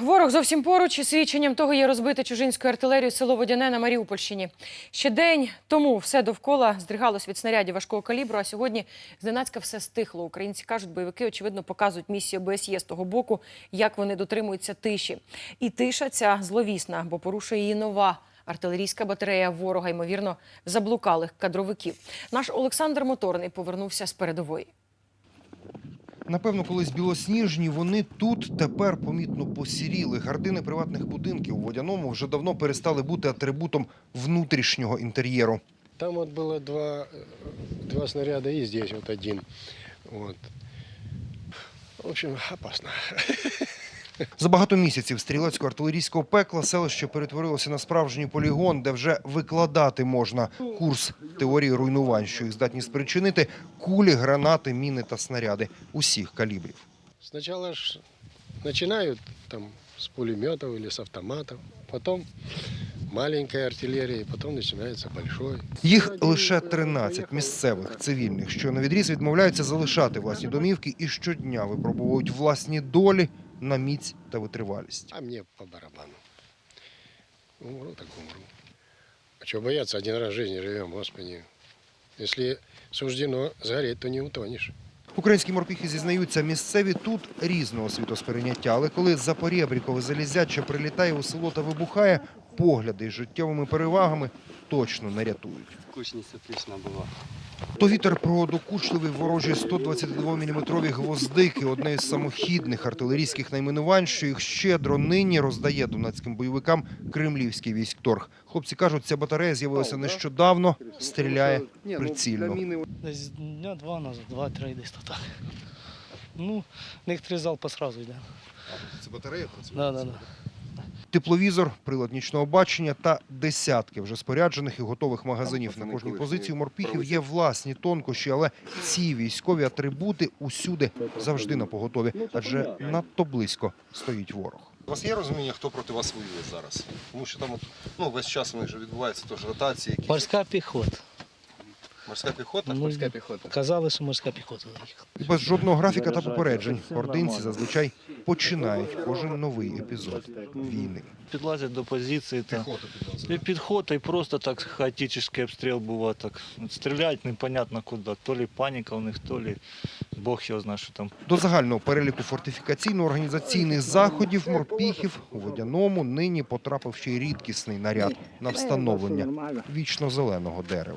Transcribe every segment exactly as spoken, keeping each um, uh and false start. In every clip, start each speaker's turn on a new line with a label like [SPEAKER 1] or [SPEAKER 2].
[SPEAKER 1] Ворог зовсім поруч, і свідченням того є розбите чужинською артилерією село Водяне на Маріупольщині. Ще день тому все довкола здригалось від снарядів важкого калібру, а сьогодні зненацька все стихло. Українці кажуть, бойовики, очевидно, показують місію ОБСЄ з того боку, як вони дотримуються тиші. І тиша ця зловісна, бо порушує її нова артилерійська батарея ворога, ймовірно, заблукалих кадровиків. Наш Олександр Моторний повернувся з передової.
[SPEAKER 2] Напевно, колись білосніжні, вони тут тепер помітно посіріли. Гардини приватних будинків у Водяному вже давно перестали бути атрибутом внутрішнього інтер'єру.
[SPEAKER 3] Там вот было два, два снаряда и здесь вот один. Вот. В общем, опасно.
[SPEAKER 2] За багато місяців стрілецького артилерійського пекла селище перетворилося на справжній полігон, де вже викладати можна курс теорії руйнувань, що їх здатні спричинити кулі, гранати, міни та снаряди усіх калібрів.
[SPEAKER 3] Сначала ж начинают там с пулеметов или с автоматов, потом маленькая артиллерия, потом начинается большой.
[SPEAKER 2] Їх лише тринадцять місцевих цивільних, що навідріз відмовляються залишати власні домівки і щодня випробовують власні долі на міць та витривалість.
[SPEAKER 3] А мне по барабану. Умру, так умру. А чего бояться? Один раз в жизни живем, Господи. Если суждено сгореть, то не утонешь.
[SPEAKER 2] Українські морпіхи зізнаються, місцеві тут різного світосприйняття, але коли за порєбрікове залізяче прилітає у село та вибухає, погляди з життєвими перевагами точно не рятують.
[SPEAKER 4] Кучність отлична була.
[SPEAKER 2] То вітер про докучливі ворожі сто двадцятидвоміліметрові гвоздики – одне із самохідних артилерійських найменувань, що їх щедро нині роздає донецьким бойовикам кремлівський військторг. Хлопці кажуть, ця батарея з'явилася нещодавно, стріляє прицільно.
[SPEAKER 5] Десь дня два назад, два-три десь так. Ну, в них три залпа одразу йде.
[SPEAKER 2] Це батарея працює?
[SPEAKER 5] Да, да, да.
[SPEAKER 2] Тепловізор, прилад нічного бачення та десятки вже споряджених і готових магазинів. На кожній позиції у морпіхів є власні тонкощі, але ці військові атрибути усюди завжди напоготові, адже надто близько стоїть ворог.
[SPEAKER 6] У вас є розуміння, хто проти вас воює зараз? Тому що там от, ну, весь час у них вже відбуваються тож ротації. Якісь.
[SPEAKER 5] Морська піхота.
[SPEAKER 6] Морська піхота?
[SPEAKER 5] Ну,
[SPEAKER 6] Морська піхота.
[SPEAKER 5] Казали, що морська піхота.
[SPEAKER 2] І без жодного графіка та попереджень ординці зазвичай починають кожен новий епізод війни.
[SPEAKER 7] Підлазять до позиції та
[SPEAKER 6] Піхота підлазить.
[SPEAKER 7] і підход, і просто так хаотичний обстріл буває. Так. Стріляють непонятно куди. То лі паніка у них, то лі Бог його знає, що там.
[SPEAKER 2] До загального переліку фортифікаційно-організаційних заходів морпіхів у Водяному нині потрапив ще й рідкісний наряд на встановлення вічно-зеленого дерева.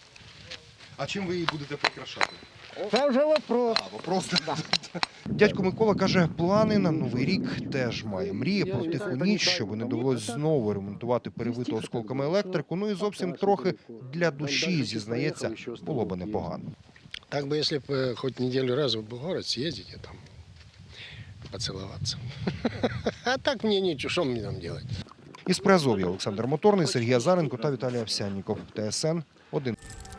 [SPEAKER 6] А чим ви її будете прикрашати?
[SPEAKER 8] Це вже вопрос.
[SPEAKER 6] А, вопрос.
[SPEAKER 2] Дядько Микола каже, плани на Новий рік теж має. Мріє про тиху ніч, щоб не довелось знову ремонтувати перевиту осколками електрику. Ну і зовсім трохи для душі, зізнається, було би непогано.
[SPEAKER 3] Так бы, если бы хоть неделю раз в город съездить и там поцеловаться. А так мне ничего, что мне там делать?
[SPEAKER 2] Із Приазов'я Олександр Моторний, Сергій Азаренко та Віталій Овсянніков. ТСН один.